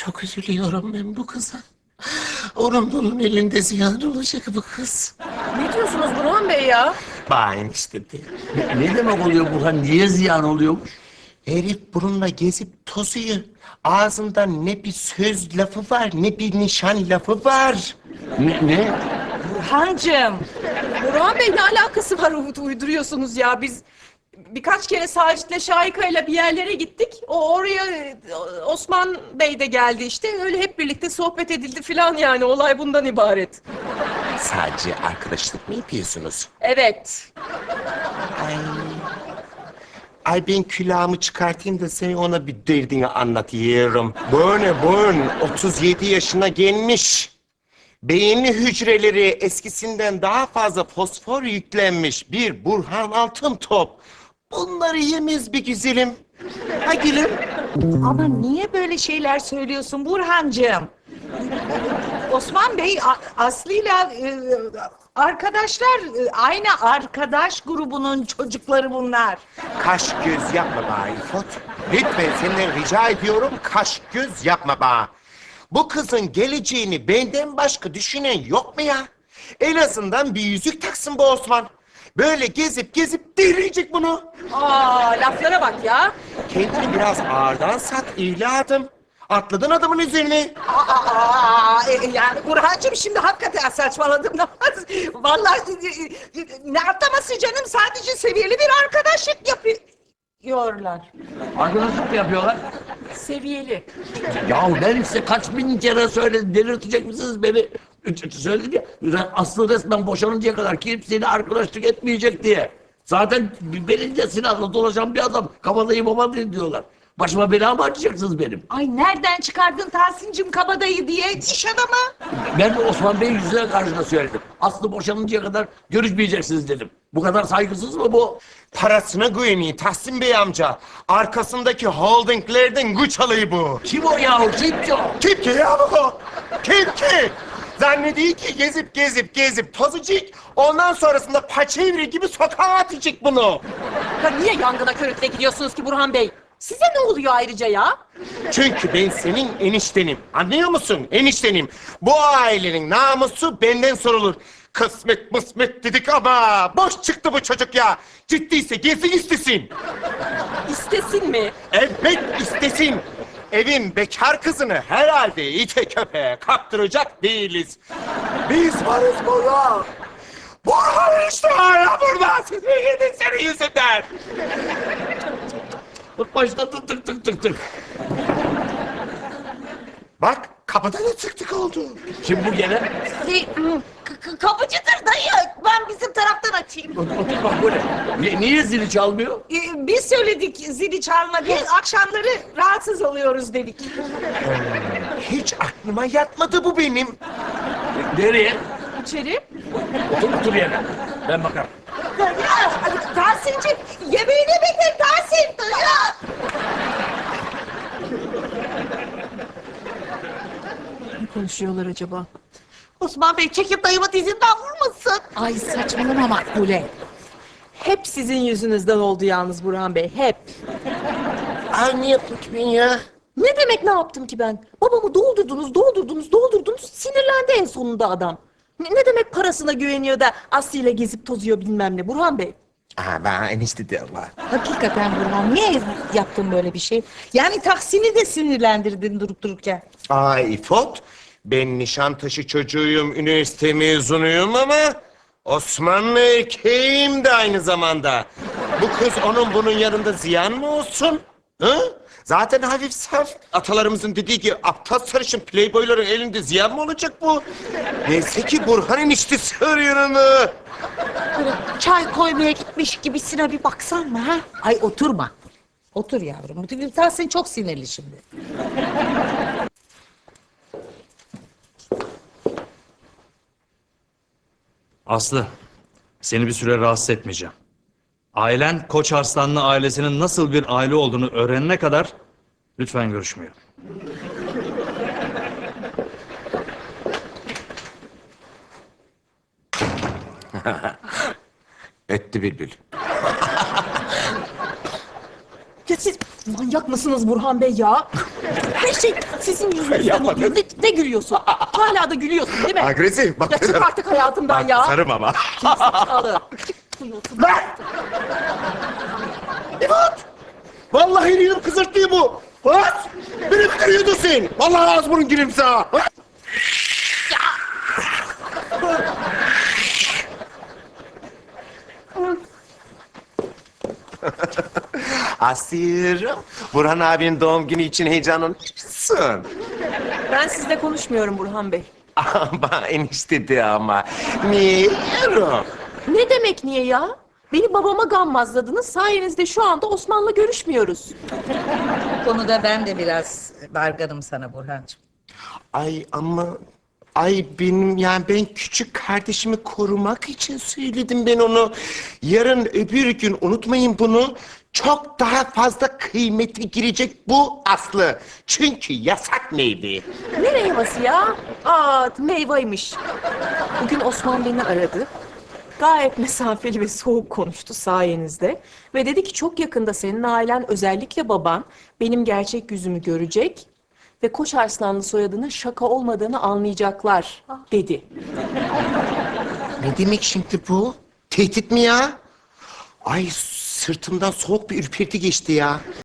Çok üzülüyorum ben bu kıza. Onun elinde ziyan olacak bu kız. Ne diyorsunuz Burhan Bey ya? Bağın işte de. Ne demek oluyor Burhan? Niye ziyan oluyormuş? Herif bununla gezip tozuyor. Ağzında ne bir söz lafı var, ne bir nişan lafı var. Ne? Burhancığım. Burhan Bey ne alakası var uyduruyorsunuz ya? Biz birkaç kere Sacit'le Şahika'yla bir yerlere gittik. Oraya Osman Bey de geldi işte. Öyle hep birlikte sohbet edildi falan yani. Olay bundan ibaret. Sadece arkadaşlık mı yapıyorsunuz? Evet. Ay. Ay ben külahımı çıkartayım da sen ona bir derdini anlatıyorum. Böyle 37 yaşına gelmiş. Beyinli hücreleri eskisinden daha fazla fosfor yüklenmiş bir Burhan Altıntop. Bunları yemez bir güzelim. Ha gülüm. Ama niye böyle şeyler söylüyorsun Burhancığım? Osman Bey Aslı'yla arkadaşlar, aynı arkadaş grubunun çocukları bunlar. Kaş göz yapma bana İfot. Lütfen senden rica ediyorum kaş göz yapma bana. Bu kızın geleceğini benden başka düşünen yok mu ya? En azından bir yüzük taksın bu Osman. Böyle gezip delirecek bunu. Laflara bak ya. Kendini biraz ağırdan sat evladım. Atladın adamın üzerine. Yani Burhancığım şimdi hakikaten saçmaladım. Vallahi ne atlaması canım, sadece seviyeli bir arkadaşlık yapıyorlar. Arkadaşlık mı yapıyorlar? Seviyeli. Ya ben size kaç bin kere söyledim. Delirtecek misiniz beni? Söyledim ya. Aslı resmen boşanıncaya kadar kimseyle arkadaşlık etmeyecek diye. Zaten belince silahla dolaşan bir adam. Kabadayı babadayı diyorlar. Başıma bela mı açacaksınız benim? Ay nereden çıkardın Tahsin'cim kabadayı diye, iş adamı? Ben de Osman Bey'in yüzüne karşına söyledim. Aslı boşanıncaya kadar görüşmeyeceksiniz dedim. Bu kadar saygısız mı bu? Parasına güveniyor Tahsin Bey amca. Arkasındaki holdinglerden güç alayı bu. Kim o yahu? Kim ki o? Kim ki ya bu? Kim ki? Zannediyor ki gezip tozacak. Ondan sonrasında paçevri gibi sokağa atacak bunu. Ya niye yangına körükle gidiyorsunuz ki Burhan Bey? Size ne oluyor ayrıca ya? Çünkü ben senin eniştenim. Anlıyor musun? Eniştenim. Bu ailenin namusu benden sorulur. Kısmet mısmet dedik ama boş çıktı bu çocuk ya. Ciddiyse gezsin istesin. İstesin mi? Evet istesin. Evin bekar kızını herhalde ite köpeğe kaptıracak değiliz. Biz varız burada. Burhan işte hala burada. Siz mi yedin senin yüzünden? Başladı tık. Bak kapıda da tık oldu. Kim bu gene? Kapıcıdır dayı. Ben bizim taraftan açayım. Otur bak böyle. Niye zili çalmıyor? Biz söyledik zili çalma diye, akşamları rahatsız oluyoruz dedik. Hiç aklıma yatmadı bu benim. Nereye? İçeri. Otur yerine. Ben bakarım. Tahsin'cim yemeğini bekle Tahsin. Ne konuşuyorlar acaba? Osman Bey çekip dayımı dizinden vurmasın. Ay saçmalama Makbule. Hep sizin yüzünüzden oldu yalnız Burhan Bey, hep. Ay ne yaptım ki ben ya? Ne demek ne yaptım ki ben? Babamı doldurdunuz, sinirlendi en sonunda adam. Ne demek parasına güveniyor da Aslı ile gezip tozuyor bilmem ne Burhan Bey? Aa bana enişte diyorlar. Hakikaten Burhan, niye yaptın böyle bir şey? Yani Tahsin'i de sinirlendirdin durup dururken. Ay İfot, ben Nişantaşı çocuğuyum, üniversite mezunuyum ama Osmanlı erkeğim de aynı zamanda. Bu kız onun bunun yanında ziyan mı olsun? Hı? Zaten hafif saf. Atalarımızın dediği gibi aptal sarışın playboyların elinde ziyan mı olacak bu? Neyse ki Burhan eniştesi arıyor onu. Böyle çay koymaya gitmiş gibisine bir baksan mı ha? Ay oturma. Otur yavrum. Tahsin çok sinirli şimdi. Aslı, seni bir süre rahatsız etmeyeceğim. Ailen Koç Arslanlı ailesinin nasıl bir aile olduğunu öğrenene kadar lütfen görüşmeyelim. Öttü bülbül. Ya siz Manyak mısınız Burhan Bey ya? Her şey sizin yüzünüzden oluyor. Ne gülüyorsun? Hala da gülüyorsun değil mi? Agresif. Bak, Ya çık artık hayatımdan ya. sarım ama. Zekalı. Vallahi elini kızırttı bu. What? Beni bitiriyordu sen. Vallahi ağız burun gülümse ha. Asiye'm, Burhan abinin doğum günü için heyecanlanmışsın. Ben sizle konuşmuyorum Burhan Bey. Ama enişte de ama. Niye? Ne demek niye ya? Beni babama gammazladınız. Sayenizde şu anda Osman'la görüşmüyoruz. Bu konuda ben de biraz dargınım sana Burhancığım. Ay ama... Ay benim yani ben küçük kardeşimi korumak için söyledim ben onu. Yarın öbür gün unutmayın bunu. Çok daha fazla kıymete girecek bu Aslı. Çünkü yasak meyve. Ne meyvesi ya? Aa, meyvaymış. Bugün Osman beni aradı. Gayet mesafeli ve soğuk konuştu sayenizde. Ve dedi ki çok yakında senin ailen, özellikle baban, benim gerçek yüzümü görecek ve Koç Arslanlı soyadının şaka olmadığını anlayacaklar dedi. Ne demek şimdi bu? Tehdit mi ya? Ay sırtımdan soğuk bir ürperti geçti ya.